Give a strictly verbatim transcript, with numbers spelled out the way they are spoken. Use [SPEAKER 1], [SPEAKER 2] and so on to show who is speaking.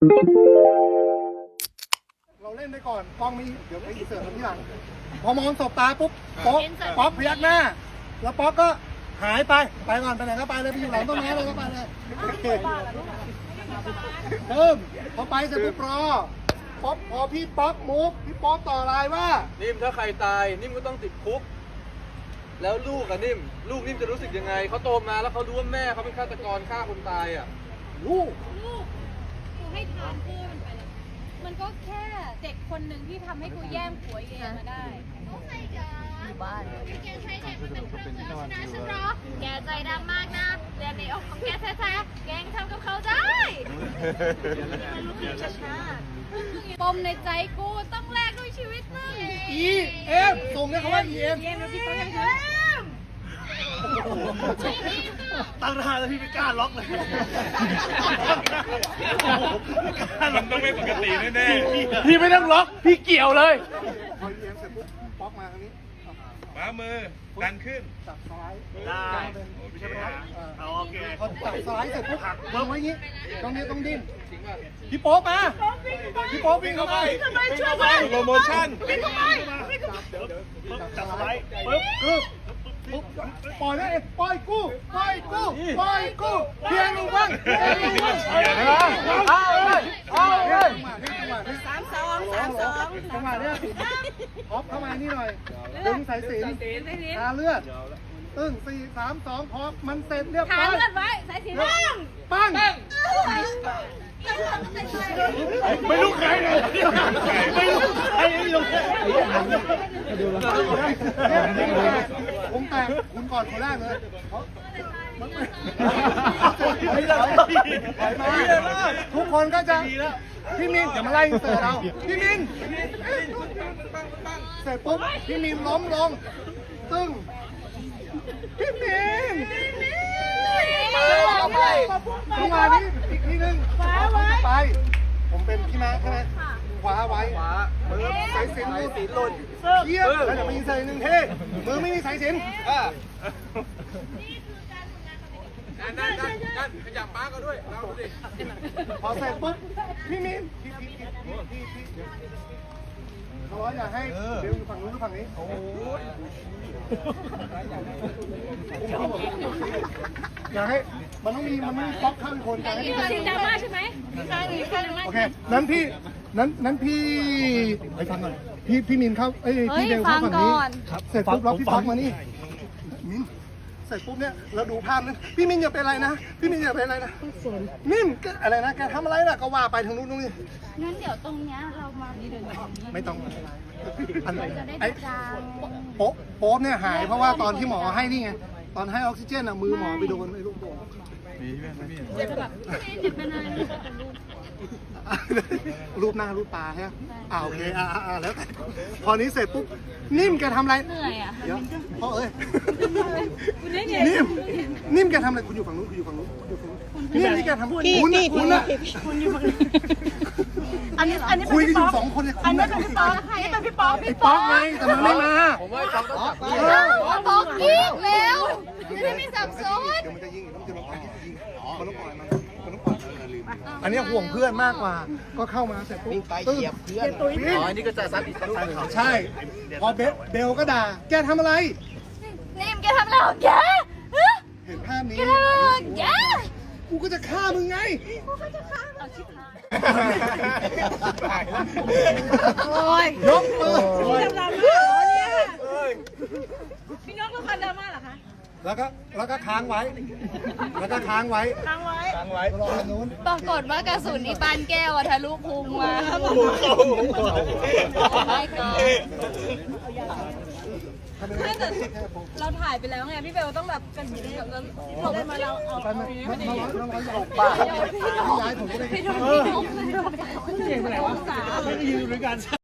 [SPEAKER 1] เราเล่นไปก่อนกล้องมีเดี๋ยวไปอินเสิร์ตที่หลังพอมองสบตาปุ๊บป๊อกป๊อกพยักหน้าแล้วป๊อกก็หายไปไปก่อนไปไหนก็ไปเลยไปอยู่หลังต้นไม้เลยก็ไปเลยเพิ่มพอไปเสร็จปุ๊บรอป๊อกพอพี่ป๊อกมุกพี่ป๊อกต่อลายว่า
[SPEAKER 2] นิ่มถ้าใครตายนิ่มก็ต้องติดคุกแล้วลูกอะนิ่มลูกนิ่มจะรู้สึกยังไงเขาโตมาแล้วเขารู้ว่าแม่เขาเป็นฆาตกรฆ่าคนตายอะ
[SPEAKER 1] ลูก
[SPEAKER 3] ลูกกูให้ทานเพื่อมันไปเลยมันก็แค่เด็กคนหนึ่งที่ทำให้กูแย่มผัวเองมาได้อยู่บ้านแกใช้เด็กมันเป็นเครื่องมือชนะฉันหรอแกใจดำมากนะเรียนในอกของแกแท้ๆแกงทำกับเขาได้มันรู้สึกช้าปมในใจกูต้องแลกด้วยชีวิตมึง
[SPEAKER 1] อีเอ็มส่งเนี่ยเขาว่าอีเอ็มตั้งท่าแล้วพี่ไม่กล้าล็อกเลย
[SPEAKER 4] มันต้องไม่ปกติแน่ๆ
[SPEAKER 5] พี่ไม่ต้องล็อกพี่เกี่ยวเลย
[SPEAKER 1] พออีเอ็มเสร็จปุ๊บป๊อกมาทางนี้
[SPEAKER 4] มามือดันขึ้น
[SPEAKER 1] จับสไลด์
[SPEAKER 5] ได้
[SPEAKER 1] ใช่ไหมฮะ
[SPEAKER 5] โอเค
[SPEAKER 1] พอจับสไลด์เสร็จปุ๊บหักวางไว้อย่างนี้ตรงนี้ต้องดิ้นพี่โป๊กมาพี่โป๊กวิ่งเข้าไป
[SPEAKER 5] ทำไมช่วยไป
[SPEAKER 4] โปรโมชั่น
[SPEAKER 5] วิ่งเข้าไปจับสไลด์ปึ๊บ
[SPEAKER 1] ปึ๊บปุ๊บปล่อยนะเอ็ปล่อยกู้ปล่อยกู้ปล่อยกู้เพียงลงบ้างเพียงลงบ้างเอาเลยเอาเลยสามสองสามสองจังหวะเนี้ยท็อปเข้ามานี่หน่อยดึงสายสิญทาเลือดตึ้งสี่สามสองพอมันเสร็จเรียบร้อย
[SPEAKER 3] ทาเลือดไว้สายสิญ
[SPEAKER 1] ปั้ง
[SPEAKER 5] ไม่รู้ใครเลยไม่รู้ใครไม่รู้
[SPEAKER 1] ผมแตกคุณก่อนคนแรกเลยทุกคนก็จะพี่มินอย่ามาไล่เสิร์ฟเราพี่มินเสร็จปุ๊บพี่มินล้มลงตึ้งพี่มินจังหวะนี้อีกทีนึงไปผมเป็นพี่ม้าใช่ไหมขวาไว้ขวามือสายสิญจน์หลุดเยี่ยมแล้วเดี๋ยวไปยิงใส่หนึ่งเท่มือไม่มีสายสิญจน์
[SPEAKER 2] นั่นนั่นนั่นนั่นขยับป้าก็ด้วยเราดูดิ
[SPEAKER 1] พอเสร็จปุ๊บพี่มินพี่พี่พี่พี่พี่เขาบอกอยากให้เดี๋ยวอยู่ฝั่งนู้นหรือฝั่งนี้โอ้ยอยากให้มันต้องมีมันต้องมีป๊อกข้างคนอยากให้พี่
[SPEAKER 3] จริงดราม่าใช่ไหม
[SPEAKER 1] โอเคนั้นพี่นั้นนั้นพี่ไปฟังก่อนพี่พี่มินเข้าเอ้ยพี่เดวเข้าฝั่งนี้เสร็จปุ๊บแล้วพี่ป๊อกมานี่มินเสร็จปุ๊บเนี่ยเราดูภาพนั้นพี่มินอย่าเป็นอะไรนะพี่มินอย่าเป็นอะไรนะนิ่มอะไรนะแกทำอะไรน่ะก็ว่าไปทางนู้นตรงนี้
[SPEAKER 3] งั้นเดี๋ยวตรงเนี้ยเรามาดีเดินตรงนี้
[SPEAKER 1] ไม่ต้องอัน
[SPEAKER 3] จะได้
[SPEAKER 1] ไอ้
[SPEAKER 3] จาง
[SPEAKER 1] โป๊ะโป๊ะเนี่ยหายเพราะว่าตอนที่หมอให้นี่ไงตอนให้ออกซิเจนอ่ะมือหมอไปโดนไอ้ลูกโป่ง
[SPEAKER 4] มีใช่ไหมพี่
[SPEAKER 3] เดี๋ยวแบบเดี๋ยวเป็นอะไรไม่รู้เป็นรูป
[SPEAKER 1] รูปหน้ารูปตาใช่ไหมอ่าโอเคอ่าอ่าแล้วพอนี้เสร็จปุ๊บนิ่มแกทำอะไร
[SPEAKER 3] เหนื่อยอ่ะ
[SPEAKER 1] เดี๋ยวพ่อเอ้ยนิ่มนิ่มแกทำอะไรคุณอยู่ฝั่งนู้นคุณอยู่ฝั่งนู้นอยู่ฝั่งนู้นนิ่มนี่แกทำคุณนะคุณนะ
[SPEAKER 3] คุณอยู่ฝั่งนี้อันนี้อันนี้
[SPEAKER 1] คุยกันอยู่สองคนเนี่ย
[SPEAKER 3] อันนี้เป็นพี่ป๊อกอันนี้เป็นพี่ป๊อก
[SPEAKER 1] ไอ้ป๊อกไงแต่มันไม่มา
[SPEAKER 2] ผมว่าเขาต้องจับ
[SPEAKER 3] ป๊อกยิงแล้วไม่มีสับสน
[SPEAKER 1] เดี๋ยวมันจะยิงต้องจะมายิงมันต้องปล่อยมันมันต้องปล่อยอันนี้ห่วงเพื่อนมากกว่าก็เข้ามาเสร็จปุ๊บไปเหยียบเพื่อน
[SPEAKER 2] อ๋ออันนี้ก็จะซัดอีกลูกนึง
[SPEAKER 1] ใช่พอเบลเบลก็ด่าแกทำอะไร
[SPEAKER 3] นิ่มแกทำอะไรของแก
[SPEAKER 1] เห็นภาพนี้
[SPEAKER 3] แก
[SPEAKER 1] กูก็จะฆ่ามึงไง
[SPEAKER 3] กูก็จะฆ่าเอาชิบหาย
[SPEAKER 1] โอ้ยยกมือ
[SPEAKER 3] พี่ดราม่าเนี่ยพี่นกรู้คันดราม่าเหรอคะ
[SPEAKER 1] แล้วก็แล้วก็ค้างไว้แล้วก็ค้างไว้
[SPEAKER 3] ค้างไว้
[SPEAKER 1] ค้างไว้รอนู้น
[SPEAKER 3] ปรากฏว่ากระสุนอีปานแก้วทะลุพุงมาไม่ก็เราถ่ายไปแล้วไงพี่เบลต้องแบบกันแบบนั้นเราได้มาเราเอา
[SPEAKER 1] ไปมามามาเราเราป่าย้ายผมก็ได้
[SPEAKER 3] พี่นกพี่นกเก่งไปไหนวะ
[SPEAKER 5] ไม่ได้ยืนด้วยกัน